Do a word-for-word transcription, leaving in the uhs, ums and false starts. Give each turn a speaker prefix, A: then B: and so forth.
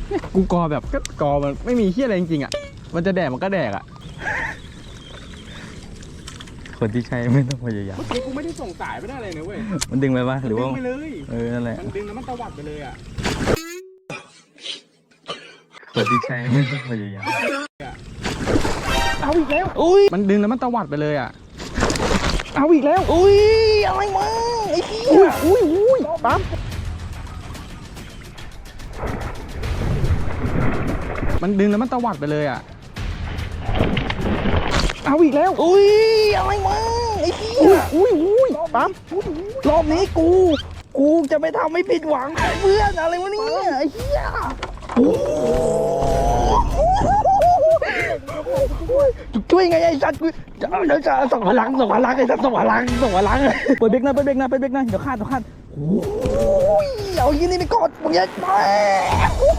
A: กูกอแบบก็กอมันไม่มีเหี้ยอะไรจริงๆอ่ะมันจะแดกมันก็แดกอ่ะคนที่ใช้ไม่ต้องพยายาม
B: เมื่อกี้กูไม่ได้ส่งสายไปได้เลยนะเว้ย
A: มันดึงไปปะหรือว่า
B: ดึงไปเลย
A: เออนั่นแหละ
B: มันดึงแล้วมันตวัดไปเลยอ่ะ
A: คนที่ใช้ไม่ต้องพยายาม
B: เอาอีกแล้ว
A: อุ้ยมันดึงแล้วมันตวัดไปเลยอ่ะ
B: เอาอีกแล้ว
A: อุ้ยอะไรมาไอ้เหี้ย
B: อุ้ยอุ้ยปั๊ม
A: มันดึงแล้วมันตวัดไปเลยอ่ะ
B: เอาอีกแล้ว
A: อุ้ยอะไรมาไอ้เหี้ย
B: อุ้ยอุ้ยปั๊ม
A: รอบนี้กู กูจะไม่ทำให้ผิดหวังเพื่อนอะไรวะเนี่ยไอ้เหี้ยช่วยไงไอ้สัตว์กูจะเดี๋ยวจะส่งพลังส่งพลังไอ้สัตว์ส่งพลังส่งพลังเปิดเบรกนะเปิดเบรกนะเปิดเบรกนะเดี๋ยวคาดเดี๋ยวคาดโอ้ยเอายี่นี่ไปกดมึงอย่าไป